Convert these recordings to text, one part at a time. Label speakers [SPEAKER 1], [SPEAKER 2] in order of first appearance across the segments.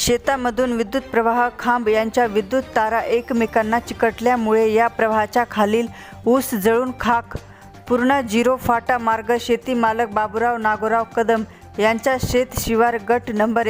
[SPEAKER 1] शेतामधून विद्युत प्रवाह खांब यांच्या विद्युत तारा एकमेकांना चिकटल्यामुळे या प्रवाहाच्या खालील ऊस जळून खाक. पूर्ण झिरो फाटा मार्ग. शेती मालक बाबूराव नागोराव कदम यांच्या शेत शिवार गट नंबर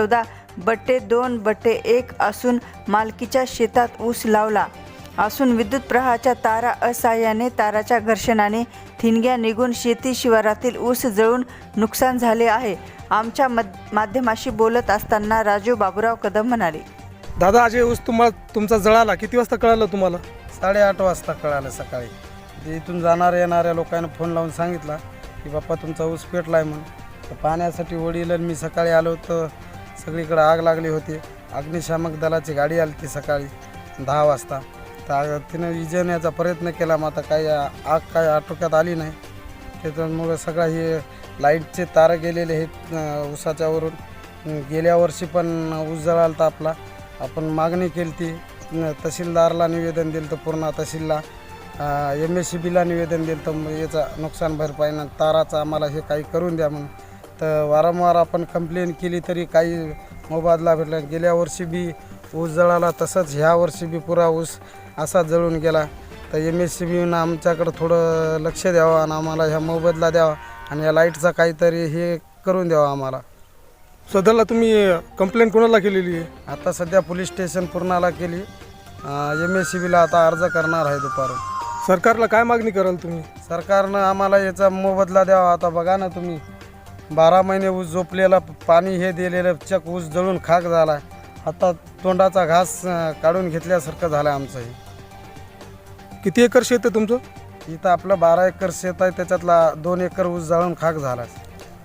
[SPEAKER 1] 114/2/1 असून मालकीच्या शेतात ऊस लावला असून विद्युत प्रवाहाच्या तारा असहाय्याने ताराच्या घर्षणाने ठिणग्या निघून शेती शिवारातील ऊस जळून नुकसान झाले आहे. आमच्या माध्यमाशी बोलत असताना राजू बाबूराव कदम म्हणाले,
[SPEAKER 2] दादा आज हे ऊस तुमचा जळाला किती वाजता कळालं तुम्हाला?
[SPEAKER 3] 8:30 वाजता कळालं सकाळी. इथून जाणाऱ्या येणाऱ्या लोकांना फोन लावून सांगितला की बाप्पा तुमचा ऊस पेटला आहे म्हणून. तर पाण्यासाठी वडील मी सकाळी आलो तर सगळीकडे आग लागली होती. अग्निशामक दलाची गाडी आली ती सकाळी 10 वाजता. तर तिनं विझवण्याचा प्रयत्न केला, मग आता काही आग काय आटोक्यात आली नाही. त्याच्यामुळे सगळं हे लाईटचे तार गेलेले आहेत ऊसाच्या वरून. गेल्या वर्षी पण ऊस जळाला तर आपण मागणी केली ती. तहसीलदारला निवेदन दिलं तर पूर्ण तहसीलला MSCBला निवेदन दिलं तर याचा नुकसान भरपाईनं ताराचं आम्हाला हे काही करून द्या म्हणून. तर वारंवार आपण कंप्लेन केली तरी काही मोबदला भेटला. गेल्या वर्षी बी ऊस जळाला, तसंच ह्या वर्षी बी पुरा ऊस असा जळून गेला. तर MSCBनं आमच्याकडं थोडं लक्ष द्यावं आणि आम्हाला ह्या मोबदला द्यावा आणि या लाईटचा काहीतरी हे करून द्यावा आम्हाला.
[SPEAKER 2] सध्याला तुम्ही कंप्लेंट कोणाला केलेली आहे?
[SPEAKER 3] आता सध्या पोलीस स्टेशन पूर्णाला केली. MSCBला आता अर्ज करणार आहे दुपारून.
[SPEAKER 2] सरकारला काय मागणी कराल तुम्ही?
[SPEAKER 3] सरकारनं आम्हाला याचा मोबदला द्यावा. आता बघा ना तुम्ही, 12 महिने ऊस झोपलेला, पाणी हे दिलेलं चक ऊस जळून खाक झाला आहे. आता तोंडाचा घास काढून घेतल्यासारखं झालं आहे आमचं. हे
[SPEAKER 2] किती एकर शेत आहे तुमचं?
[SPEAKER 3] इथं आपलं 12 एकर शेत आहे, त्याच्यातला 2 एकर ऊस जळून खाक झाला आहे.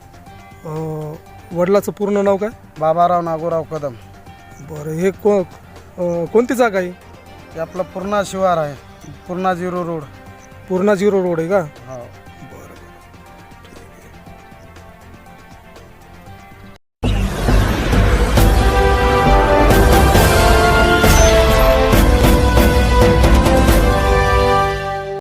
[SPEAKER 2] वडिलाचं पूर्ण नाव काय?
[SPEAKER 3] बाबाराव नागोराव कदम.
[SPEAKER 2] बरं, हे कोणती जागा आहे?
[SPEAKER 3] हे आपलं पूर्णा शिवार आहे, पूर्णा 0 रोड.
[SPEAKER 2] पूर्णा 0 रोड आहे का?
[SPEAKER 3] हो.